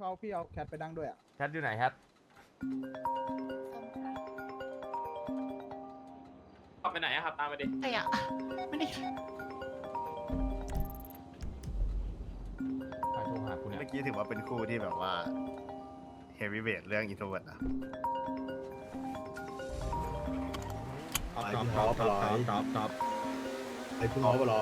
เอาพี่เอาแคทไปดังด้วยอ่ะแคทอยู่ไหนแคทขับไปไหนอะครับตามไปดิไอ้อะไม่ได้ใครโทรหากูเนี่ยเมื่อกี้ถือว่าเป็นคู่ที่แบบว่าเฮฟวีเวทเรื่องอินโทรเวิร์ดนะท็อปไอ้พวกน้องอะไร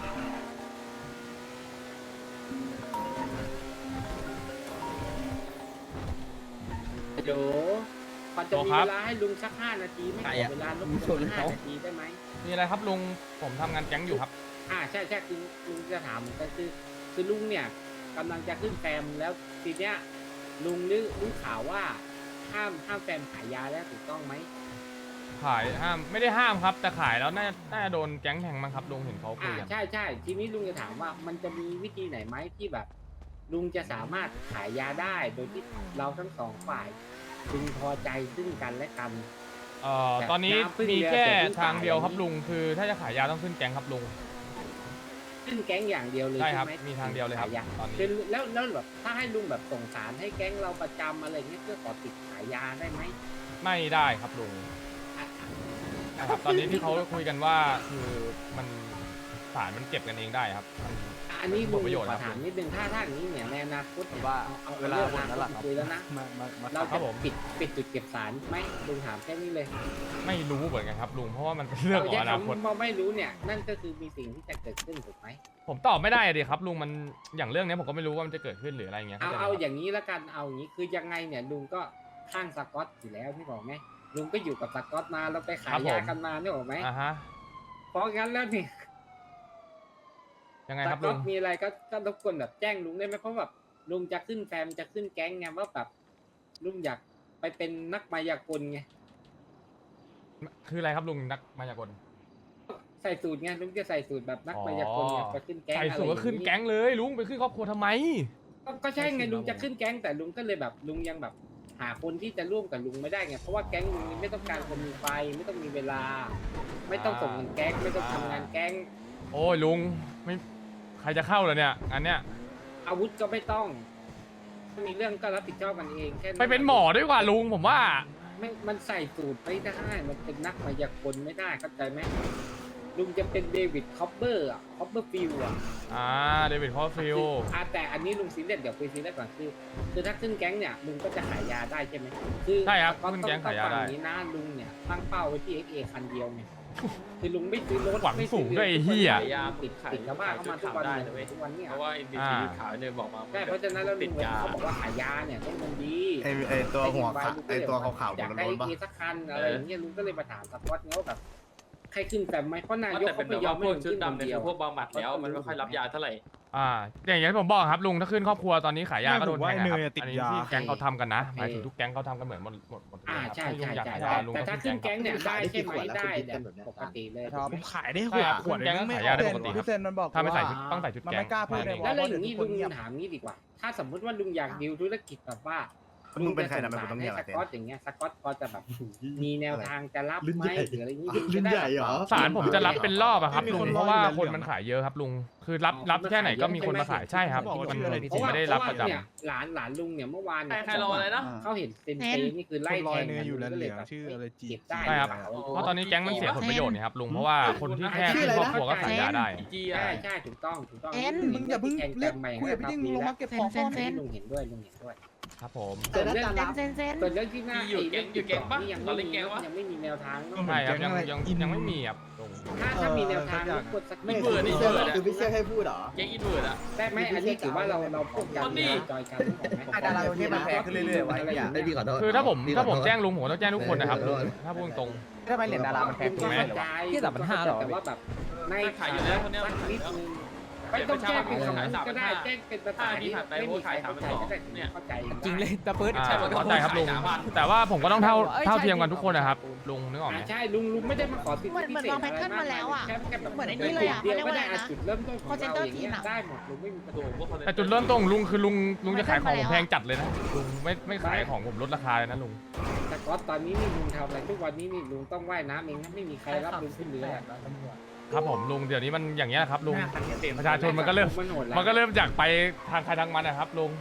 เดี๋ยวพอจะมีเวลาให้ลุงสัก5 นาทีไม่ขอเวลาลุงสัก5 นาทีได้ไหมมีอะไรครับลุงผมทำงานแก๊งอยู่ครับใช่คือลุงจะถามเหมือนกันคือลุงเนี่ยกำลังจะขึ้นแฟมแล้วทีเนี้ยลุงรู้ข่าวว่าห้ามแฟมขายยาแล้วถูกต้องไหมขายห้ามไม่ได้ห้ามครับ แต่ขายแล้วน่าจะโดนแก๊งแทงมั้งครับลุงเห็นเขาคุยกันใช่ทีนี้ลุงจะถามว่ามันจะมีวิธีไหนไหมที่แบบ ลุงจะสามารถขายยาได้โดยที่เราทั้งสองฝ่ายพึงพอใจซึ่งกันและกันตอนนี้มีแค่ทางเดียวครับลุงคือถ้าจะขายยาต้องขึ้นแก๊งครับลุงขึ้นแก๊งอย่างเดียวเลยใช่ใช่ครับไหมมีทางเดียวเลยครับขายยาตอนนี้คือแล้วแบบถ้าให้ลุงแบบส่งสารให้แก๊งเราประจำอะไรเงี้ยเพื่อขอติดขายยาได้ไหมไม่ได้ครับลุงนะครับตอนนี้ที่เขาคุยกันว่าคือมันสารมันเก็บกันเองได้ครับมันอันนี้ลุงผลประโยชน์ขครัอบ ถามนิดนึงถ้าอย่างนี้เนี่ยในอนาคตเนี่ยว่าเอาเวลาเรื่องหมดแล้วล่ะอนาคตคุยแล้วนะมาเราครัจะบผมปิดจุดเก็บสารไหมลุงถามแค่นี้เลยไม่รู้เหมือนกันครับลุงเพราะว่ามันเป็นเรื่องของอนาคตเพราะไม่รู้เนี่ยนั่นก็คือมีสิ่งที่จะเกิดขึ้นถูกไหมผมตอบไม่ได้อะดิครับลุงมันอย่างเรื่องนี้ผมก็ไม่รู้ว่ามันจะเกิดขึ้นหรืออะไรเงี้ยเอาอย่างนี้แล้วกันเอาอย่างนี้คือยังไงเนี่ยลุงก็ข้างสกอตอยู่แล้วที่บอกไหมลุงก็อยู่กับสกอตมาเราไปขายยากันมาเนี่ยบอกไหมอ่าฮะเพราะงั้นแล้วเนี่ยยังไงสครับกลุอง ตมีอะไรก็รบกวนแบบแจ้งลุงได้ไหมเพราะแบบลุงจะขึ้นแฟมจะขึ้นแก๊งไงว่าแบบลุงอยากไปเป็นนักมายากลไงคืออะไรครับลุงนักมายากลใส่สูตรไงลุงจะใส่สูตรแบบนักมายากลไงไปขึ้นแก๊งใส่สูตรก็ขึ้นแก๊งเลยลุงไปขึ้นครอบครัวทำไมก็ใช่ไงลุงจะขึ้นแก๊งแต่ลุงก็เลยแบบลุงยังแบบ หาคนที่จะร่วมกับลุงไม่ได้ไงเพราะว่าแก๊งลุงนี่ไม่ต้องการคนมีไฟไม่ต้องมีเวลา ไม่ต้องส่งเงินแก๊งไม่ต้องทำงานแก๊งโอ้ยลุงไม่ใครจะเข้าเหรอเนี่ยอันเนี้ยอาวุธก็ไม่ต้องถ้ามีเรื่องก็รับผิดชอบกันเองแค่ไปเป็นหมอด้วยกว่าลุงผมว่าไม่มันใส่สูตรไม่ได้มันเป็นนักมายากลไม่ได้เข้าใจไหมลุงจะเป็นเดวิดคอปเปอร์คอปเปอร์ฟิลอ่ะเดวิดคอฟฟิลแต่อันนี้ลุงซีเรียสเดี๋ยวคุยซีเรียสก่อนคือถ้าขึ้นแก๊งเนี่ยลุงก็จะขายยาได้ใช่ไหมใช่ครับก็ขึ้นแก๊งขายยาได้ต้องนี้นะลุงเนี่ยตั้งเป้าไว้ที่ XA คันเดียวไงคือลุงไม่ซื้อรถหวังสูงด้วยไอ้เหี้ยขายยาติดชาวบ้านเข้ามาทุกวันเนี่ยทุกวันเนี่ยเพราะว่าอินดิขาวเนี่ยบอกมาใช่เพราะฉะนั้นแล้วลุติดงยาเขาบอกว่าขายยาเนี่ยต้องมันดีไอตัวหัวขาไอตัวขาวๆบอยาน กรถได้ปะเอสักคันอะไรอย่างเงี้ยลุงก็เลยมาถามสปอตเงี้ยแบบใครขึ้นแต่ไหมเพราะนายกแต่เป็เขานไม่แบบยอว่าม พให้วกลุงชุดขึ้นคนดำเนี่ยเดียวคือพวกบำบัดแล้วมันไม่ค่อยรับยาเท่าไหร่อย่างที่ผมบอกครับลุงถ้าขึ้นครอบครัวตอนนี้ขายยาก็โดนแทงครับไม่ผมว่าไอ้เนยติดอันนี้ยาที่แก๊งเขาทำกันนะหมายถึงทุกแก๊งเขาทำกันเหมือนหมดเลยครับใช่ถ้าลุงอยากใช่ขายใช่ยาลุงแต่ก็ถ้าขึ้ขึ้นนแก๊แก๊งงเนี่ยได้ใช่ไหมได้เนี่ยปกติเลยครับถูกไหมผมขายได้ใช่ครับขวดแก๊งนึงไม่ขายยาได้ปกติพี่เซนมันบอกถ้าไม่ใส่ว่าชุดต้องใส่ชุดมันแก๊งไม่กล้าพูดเลยแล้วว่าอย่างนี้ลุงเงียบถามนี้ดีกว่า ถ้าสมมุติว่าลุงอยากดิวธุรกิจแบบว่ามึงเป็นใครนะลุไม่จะผมต้องให้เงียบสอะเต้นกอตอย่างเงี้ยสกอตพอจะแบบมีแนวทางจะรับไหมหรืออะไรอย่างงี้รุ่นใหญ่เหรอสารผมจะรับเป็นรอบอะครับลุงเพราะว่าคนมันขายเยอะครับลุงคือรับแค่ไหนก็มีคนมาขายใช่ครับมันผมไม่ได้รับประจำเนี่ยหลานลุงเนี่ยเมื่อวานเนี่ยใครรออะไรนะเขาเห็นเซนเซนี่คือไล่คนลแทอยงเนยอยู่กัแล้วก็เหเลลืยองแบบชื่ออะไรจีเก็บได้ใช่ครับ เพราะตอนนี้แก๊งมันเสียผลประโยชน์นี่ครับลุงเพราะว่าคนที่แค่ขึ้นครอบครัวก็ขายยาได้จีใช่อ่ะใช่ถูกต้องมึงอย่าเพิ่งเรียกคุยกับพี่ดิ้งมึงลงมาเก็บของก่อนลุงเห็นด้วยลุงเห็นด้วยครับผมส่วนเรื่องเซนส่วนเรื่องที่หน้าอยู่แก๊งอยู่แก๊งปะยังตอนไม่เล่นมีแก๊งวะยังไม่มีแนวทางเนอะใช่ครับยังไม่มีครับลุงถ้ามีแนวทางรบกวนสักนิดเบื่อนี่คือพี่เชี่ยให้พูดเหรอแก๊งอินเวิร์ดอ่ะได้ไหมอันนี้ถือว่าเราพูดกันจอยกันถูกไหมดาราเนี่ยมันแพงขึ้นเรื่อยๆไว้ไอ้พี่ขอโทษคือถ้าผมแจ้งลุงผมก็ต้องแจ้งทุกคนนะครับลุงถ้าพูดตรงทำไมเหรียญดารามันแพงขึ้นไหมที่แต่มัน5หรอแต่ว่าแบบในขายอยู่แล้วคนเนี้ยสักนิดนึงไม่ต้องแจ้งเป็นคำก็ได้แจ้งเป็นภาษาที่ไม่มีใครเข้าใจก็ได้เข้าใจจริงเลยตะเปิดเข้าใจครับลุงแต่ว่าผมก็ต้องเท่าเทียมกันทุกคนนะครับลุงนึกออกไหมใช่ลุงไม่ได้มาขอสิทธิเหมือนพิเหมือนเศษวางแพทเทิร์นมาแล้วอ่ะ เหมือนไอ้นี่เลยอ่ะเดียวเขาเรียกก็ว่าอะไรนะได้จุดเริ่มต้นของ call เรา center อย่างเงี้ยทีมอะได้หมดลุงไม่มีปัญหาแต่จุดเริ่มต้นของลุงคือลุงจะขายของผมแพงจัดเลยนะลุงไม่ขายของผมลดราคาเลยนะลุงแต่ก็ตอนนี้นี่ลุงทำอะไรทุกวันนี้นี่ลุงต้องว่ายน้ำเองนะไม่มีใครรับลุงขึ้นเรือครับผมลุงเดี๋ยวนี้มันอย่างเงี้ยครับลุงหน้าคันเต็มประชาชนมันก็เริ่มมันโหดแล้วมันก็เริ่มจากไปทางใครทางมันนะครับลุง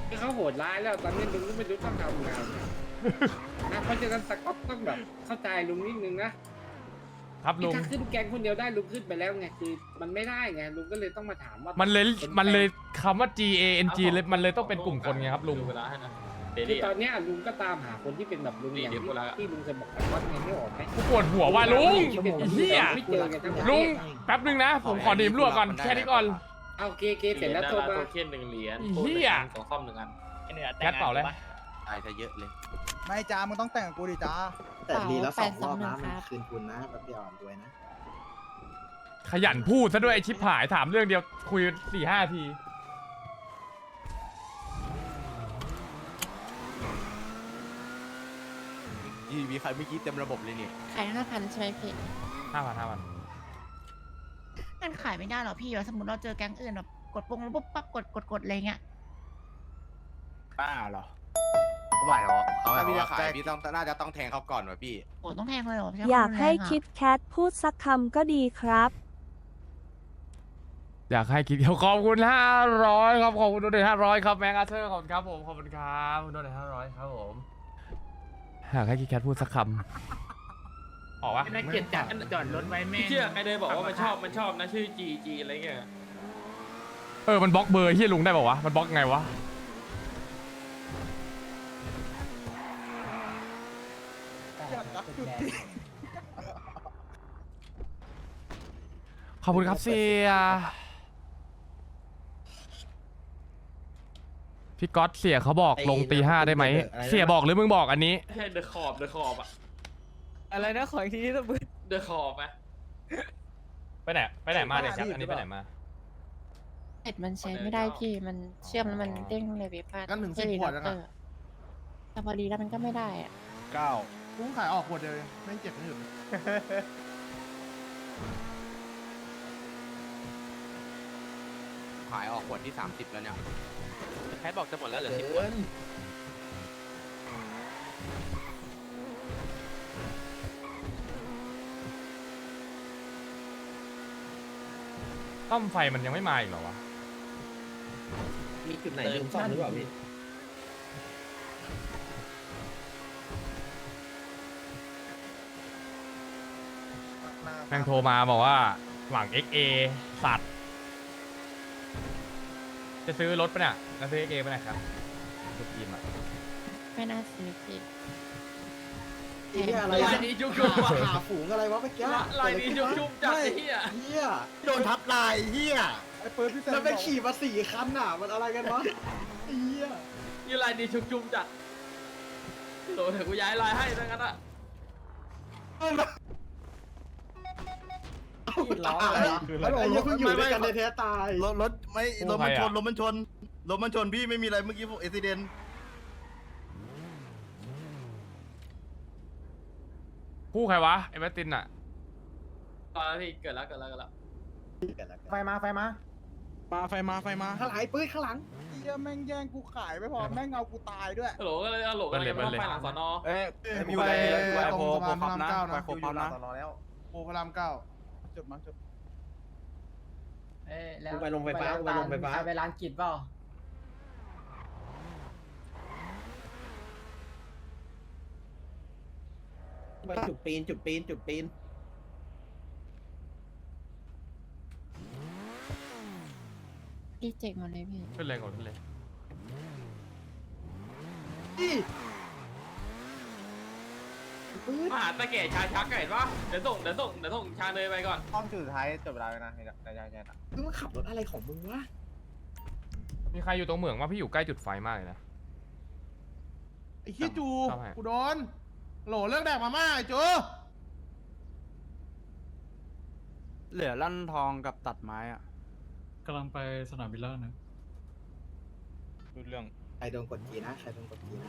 เขาโหดร้ายแล้วตอนนี้ลุงก็ไม่รู้ต้องทำไงนะเพราะฉะนั้นสก๊อตต้องแบบเข้าใจลุงนิดนึงนะครับลุงถ้าขึ้นแก๊งคนเดียวได้ลุงขึ้นไปแล้วไงคือมันไม่ได้ไงลุงก็เลยต้องมาถามว่ามันเลยคำว่า GANG เลยมันเลยต้องเป็นกลุ่มคนไงครับลุงดูเวลาให้นะเดคือลี่ตอนเนี้ยลุงก็ตามหาคนที่เป็นแบบลุงอย่างเดี๋ยวกูละที่ลุงเคยบอกสก๊อตไงไม่ออกไหมกูปวดหัวว่ะลุงไอ้เหี้ยไม่เจอกันทั้งประเทศลุงแป๊บนึงนะ ผมขอดื่มรั่วก่อนแค่นี้ก่อนเอาโอเคเสร็จแล้วโทรมาโทเค็น1 เหรียญไอ้เหี้ยของคอม1 อันแคทเปล่าเลยตายซะเยอะเลยไม่จ้ามึงต้องแต่งกับกูดิจ้าแต่ดีแล้วสองรอบนะ 821 มันครับคืนทุนนะแบบเดียวรวยนะขยันพูดซะด้วยไอชิปหายถามเรื่องเดียวคุย4-5 ทีมีใครเมื่อกี้เต็มระบบเลยนี่ขาย5,000ใช่ไหมพี่ 5,000 มันขายไม่ได้หรอพี่ว่าสมมติเราเจอแก๊งอื่นแบบกดปุ่มแล้วปุ๊บปั๊บกดอะไรเงี้ยป้าเหรอเขาหมายเขาถ้าพี่ว่าจะขายพี่ต้องน่าจะต้องแทงเขาก่อนว่ะพี่โอ้ต้องแทงเลยเหรอใช่อยากให้นแรงอะคิดแคทพูดสักคำก็ดีครับอยากให้คิดขอบคุณ500ครับขอบคุณโดเนท500ครับแมงอาเธอร์ขอบคุณครับผมขอบคุณครับโดเนท500ครับผมอยากให้คิดแคทพูดสักคำออกวะนักเกียรติจัดจอดรถไว้แม่พี่เชื่อใครเลยบอกว่ามันชอบนะชื่อ GG อะไรเงี้ยมันบล็อกเบอร์ที่ลุงได้ป่าวะมันบล็อกไงวะขอบคุณครับเสียพี่ก๊อตเสียเขาบอกลงตี 5ได้ไหมเสียบอกหรือมึงบอกอันนี้ไม่ใช่เดอะขอบอะอะไรนะขออีกทีที่ต้องมือเดอะขอบอะไปไหนมาเนี่ยครับอันนี้ไปไหนมาเน็ตมันใช้ไม่ได้พี่มันเชื่อมแล้วมันเด้งเลยเว็บพลาดกันถึง10 ขวดแล้วนะแต่พอดีแล้วมันก็ไม่ได้อะ 9กูขายออกขวดเดียวเองไม่เจ็บไม่หยุดขายออกขวดที่ 30 แล้วเนี่ยแคทบอกจะหมดแล้วเหลือเกิ 10 ขวดนต้อมไฟมันยังไม่มาอีกเหรอวะมีจุดไหนลืมซ่อมหรือเปล่าพี่แม่งโทรมาบอกว่าหวัง XA สัตว์จะซื้อรถปะเนี่ยจะซื้อ XA ปะเนี่ยครับทุกทีมอะไม่น่าซื้อพี่ไอ้เหี้ยอะไรลาอะยนี้จุ๊บๆว่ะหาฝูงอะไรวะเมื่อกี้ลายนี้จุ๊บๆจัดไอ้เหี้ยเหี้ยโดนทับลายเฮียไอ้เปิดพี่แซมแล้วไปขี่มา4 คันน่ะมันอะไรกันวะไอ้เหี้ยนี่ลายนี้จุ๊บๆจัดโหลเดี๋ยวกูย้ายลายให้ทั้งนั้นอะตายแล้วไอ้เหี้ยเพิ่งอยู่ด้วยกันในแท้ตายรถไม่รถมันชนรถมันชนรถมันชนพี่ไม่มีอะไรเมื่อกี้อุบิเหตุคู่ใครวะไอ้แมตตินอะตอนนั้นพี่เกิดแล้วไฟมาไฟมาไฟมาข้างหลังไอ้ปื้ดข้างหลังเหี้ยแม่งแย่งกูขายไม่พอแม่งเอากูตายด้วยโหลก็เลยเอาโหลก็เลยมาไปหลังสอนอมีอยู่ในตรงสะพานพระรามเก้านะอยู่หลังสอนอแล้วโอ้พระรามเก้าจุดมาจุดกูไปลงไฟฟ้ากูไปลงไฟฟ้าไปร้านกิจเปล่าจุดปีนพี่เจ๋งหมดเลยพี่ขึ้นเลยก่อนขึ้นเลยมาหาตะแก่ชาชักไก่ปะเดี๋ยวส่งชาเนยไปก่อนห้องจุดสุดท้ายจบเวลาแล้วนะใช่มึงมาขับรถอะไรของมึงวะมีใครอยู่ตรงเหมืองว่าพี่อยู่ใกล้จุดไฟมากเลยนะไอ้ขี้จูชอบให้กูโดนโหลเลิกแดกมาม่าไอ้จูเหลือลั่นทองกับตัดไม้อ่ะกำลังไปสนามบินแล้วนะดูเรื่องใครโดนกดจีนะใครโดนกดจีนะ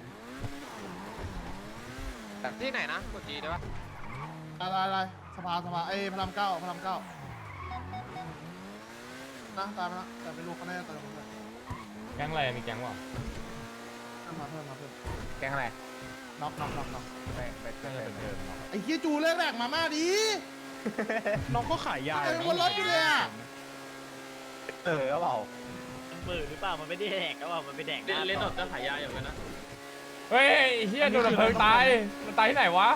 ที่ไหนนะกดจีได้ปะอะไรสภาไอ้พระรามเก้านะตายไปแล้วแต่ไม่รู้เขาแน่ตายหมดเลยแก๊งอะไรมีแก๊งวะเพิ่มมาเพิ่มแกงอะไรน็อกน่าจะเป็นเดิมเนาะไอ้ขี้จูเลิกแดกมาม่าดีน้องก็ขายยาไอ้บนรถอยู่เลยอ่ะก็เปล่ามือหรือเปล่ามันไม่ได้แดกแล้วมันไปแดกเล่นออกจะขายยาอยู่กันนะเฮ้ยเฮียโดนดับเพลิงตายมันตายที่ไหนวะ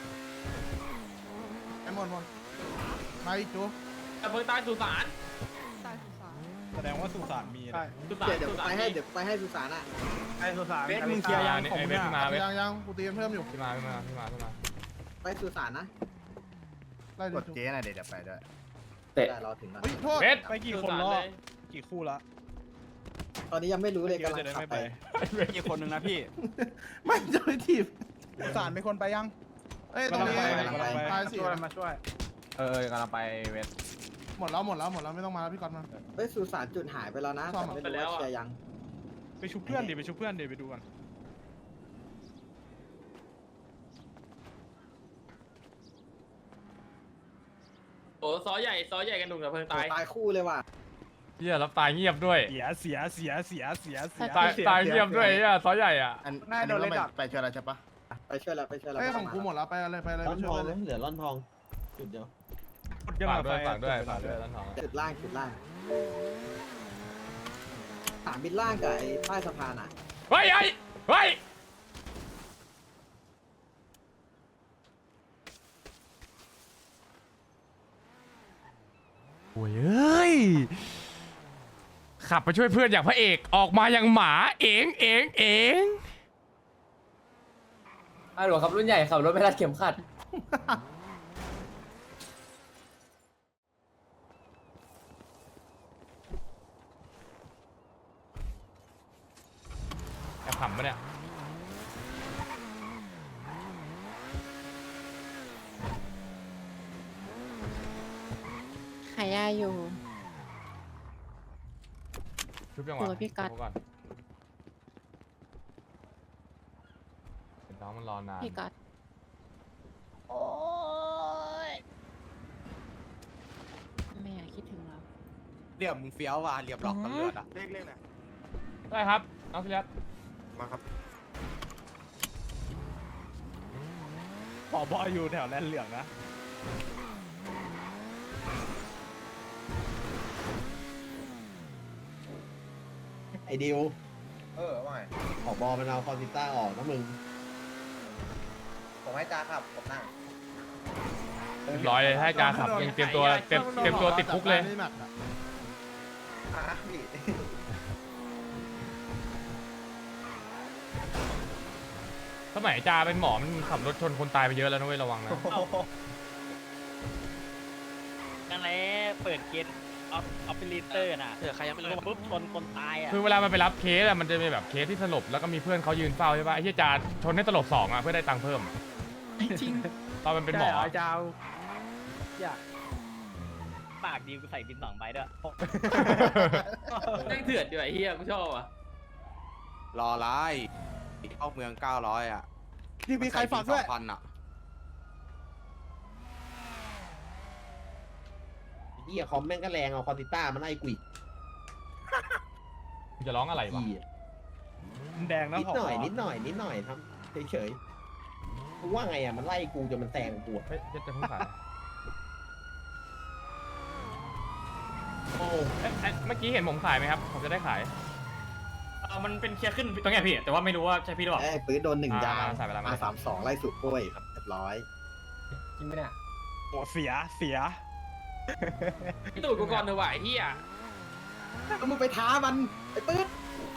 ไอ้หมดมาอีกจูดับเพลิงตายสุสานแสดงว่าสุสานมีสุสานเดี๋ยวไปให้สุสานอ่ะไอ้สุสานเบสมึงเคลียร์ยังของมึงเนี่ยยังกูตีเพิ่มอยู่พี่มาไปสุสานนะไล่กดิดเจ๊หน่อยเดี๋ยวไปด้วยได้รอถึงแล้วเฮ้ยโทษเบสไปกี่คนรอกี่คู่ละตอนนี้ยังไม่รู้เลยกำลังขับไปอีกคนนึงนะพี่ไม่จะไปทีบสุสานเป็นคนไปยังเอ้ยตรงนี้ตายสิมาช่วยกำลังไปเวทหมดแล้วไม่ต้องมาแล้วพี่ก๊อตมาไปสุสานจุดหายไปแล้วนะแต่ไม่รู้ว่าเคลียร์ยังไปชุบเพื่อนดิไปดูกันโอ้ซอใหญ่กันหนุ่มดับเพลิงตายตายคู่เลยว่ะเฮียรับตายเงียบด้วยเสียตายเงียบด้วยเฮียซอใหญ่อ่ะอันนี้เราไปช่วยเราใช่ปะไปช่วยแล้วเอ้ยของกูหมดแล้วไปเลยไปช่วยเลยเหลือร่อนทองจุดเดียวฝากด้วยต้นหอมจุดล่างสามบินล่างกับไอ้ใต้สะพานอ่ะเฮ้ยโอ้ยเอ้ยขับไปช่วยเพื่อนอย่างพระเอกออกมาอย่างหมาเองหลวงครับรุ่นใหญ่ขับรถไม่รัดเข็มขัดแอบขำปะเนี่ยขายยาอยู่ชุบยังโอ้วะยพี่ก๊อตชุบก่อนเห็นน้องมันรอนานพี่ก๊อตโอ้ยไม่อยากคิดถึงเราเรียบมึงเฟี้ยวว่ะเรียบล็อกตำรวจอ่ะเลขไหนได้ครับน้องพิรัตมาครับผบอยู่แถวแลนเหลืองนะไอดิวว่าไงขอบอมันเอาคอนติต้าออกนะมึงผมให้จ้าครับผมนั่งเรียบร้อยเลยให้การขับยังเตรียมตัวติดคุกเลยพี่สมัยจาเป็นหมอมันขับรถชนคนตายไปเยอะแล้วนะเว้ยระวังนะนั่นแหละเปิดเกณฑ์ออฟฟิลิเตอร์น่ะใครยังไม่รู้ปุ๊บชนคนตายอ่ะคือเวลามันไปรับเคสอะมันจะมีแบบเคสที่สลบแล้วก็มีเพื่อนเขายืนเฝ้าใช่ปะไอ้ที่จาชนให้สลบ2อะเพื่อได้ตังค์เพิ่มจริงตอนมันเป็นหมอปากดีกูใส่บิน2ใบด้วยนั่งเถื่อนอยู่ไอ้เหี้ยกูชอบอ่ะรอไล่เข้าเมือง900อ่ะที่มีใครฝากด้วย 2,000อ่ะเฮียคอมแม่งก็แรงเอาคอนติต้ามาไล่กุยจะร้องอะไรวะเฮียแดงนะนิดหน่อยทำเฉยๆกูว่าไงอ่ะมันไล่กูจนมันแซงกูอะเฮ้ยจะเพิ่งขายโอ้เมื่อกี้เห็นผมขายไหมครับผมจะได้ขายมันเป็นเคลียร์ขึ้นตรงไหนพี่แต่ว่าไม่รู้ว่าใช่พี่หรือเปล่าไอ้ปืนโดน1 ยางใส่ไปแล้วมา32ไล่สุดกล้วยเรียบร้อยจริงไหมเนี่ยโอ้เสียพี่ตู่กูก่อนเถอะว่ะไอ้เหี้ยก็มึงไปท้ามันไอ้ปืน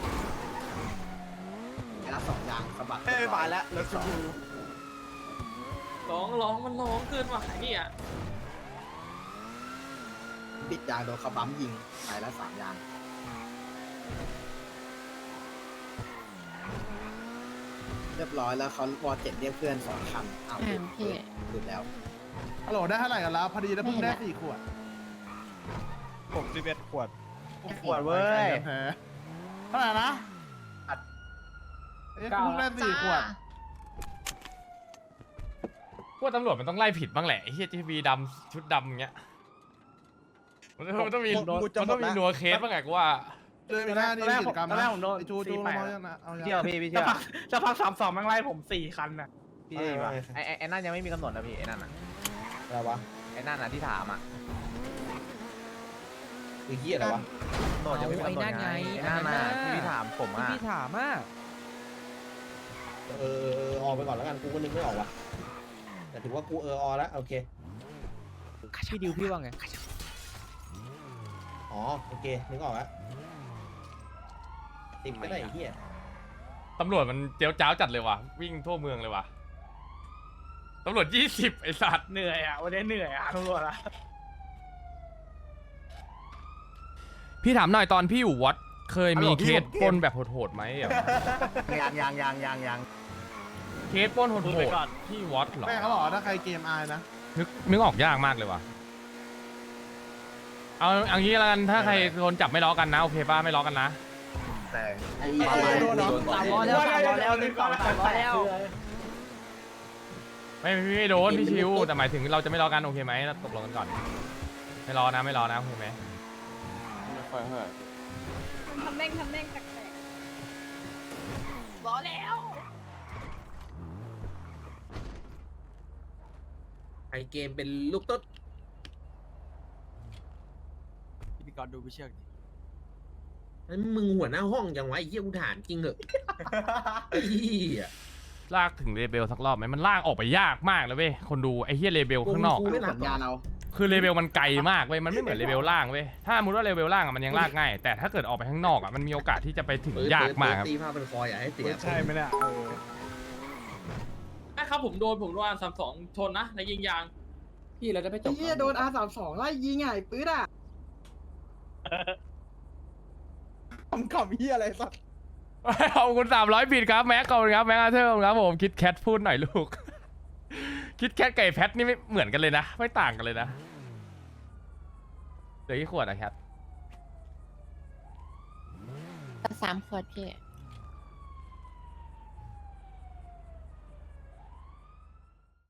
ไอ้ละ2 ยางสะบัดมาแล้วแล้วร้องมันร้องเกินว่ะไอ้เหี้ยปิดยางโดนเขาบั๊มยิงไปละ3 ยางเรียบร้อยแล้วเขาวอล7เรียกเพื่อน2 คันอ้าวพี่หลุดแล้วฮัลโหลได้เท่าไหร่กันแล้วพอดีแล้วเพิ่งได้4 ขวด 11 ขวดขวดเว้ยเท่าไหร่นะเอ้ยเพิ่งได้4 ขวดพวกตำรวจมันต้องไล่ผิดบ้างแหละไอ้เฮียทีวีดำชุดดำอย่างเงี้ยมันต้องมีนัวเคสบ้างไงกูว่าเลยมีหน้าที่กิจกรรมนะจูลงมายังนะเอาเที่ยวพี่เที่ยวจะพัก32แม่งไล่ผม4 คันน่ะพี่ว่ะไอ้นั่นยังไม่มีกำหนดนะพี่ไอ้นั่นอ่ะอะไรวะไอ้นั่นอ่ะที่ถามอ่ะคือเฮียอะไรวะต่อจะไม่กำหนดไงนั่นน่ะที่พี่ถามผมอ่ะพี่ถามอ่ะออกไปก่อนแล้วกันกูก็นึกไม่ออกว่ะแต่ถือว่ากูออแล้วโอเคพี่ดิวพี่ว่าไงอ๋อโอเคนึกออกแล้ว10ก็ได้ไอ้เฮียตำรวจมันเจียวจ้าวจัดเลยว่ะวิ่งทั่วเมืองเลยว่ะตำรวจ20ไอ้สัตว์เหนื่อยอ่ะวันนี้เหนื่อยอ่ะตำรวจอ่ะพี่ถามหน่อยตอนพี่อยู่วัดเคยมีเคสปล้นแบบโหดๆไหมอ่ะยังเคสปล้นโหดๆที่วัดเหรอแม่เขาบอกว่าถ้าใครเกมอายนะนึกออกยากมากเลยว่ะเอางี้แล้วกันถ้าใครโดนจับไม่ล้อกันนะโอเคป่ะไม่ล้อกันนะแต่โดนเนาะ 300 แล้วรีบก่อน300 แล้วไม่โดนพี่ชิวแต่หมายถึงเราจะไม่ล้อกันโอเคไหมเราตกลงกันก่อนไม่ล้อนะโอเคไหมทำแม่งแปลกๆล้อแล้วไอเกมเป็นลูกตุ๊ดพี่กรณ์ดูพี่เชือกดินั่นมึงหัวหน้าห้องยังไงไอ้เหี้ยกูถามจริงเหอะไอ้เหี้ยลากถึงเลเบลสักรอบไหมมันลากออกไปยากมากเลยเว้ยคนดูไอ้เฮียเลเบลข้างนอกกูไม่หลับยานเอาคือเลเบลมันไกลมากเว้ยมันไม่เหมือนเลเบลล่างเว้ยถ้าสมมติว่าเลเบลล่างอะมันยังลากง่ายแต่ถ้าเกิดออกไปข้างนอกอะมันมีโอกาสที่จะไปถึงยากมากครับตีผ้าเป็นคออย่าให้เสียใช่ไหมเนี่ยครับผมโดนR32ชนนะในยิงยางพี่เราจะไม่จไอ้บเหี้ยโดน R32 ไล่ยิงไงปื๊ดอ่ะขำเฮียอะไรสัตว์ขอบคุณ300บิตครับแม็กขอบคุณครับแม็กอาเธอร์ครับผมคิดแคทพูดหน่อยลูก คิดแคทไก่แพทนี่ไม่เหมือนกันเลยนะไม่ต่างกันเลยนะเหลือกี่ขวดอะแคท 3 ขวดพี่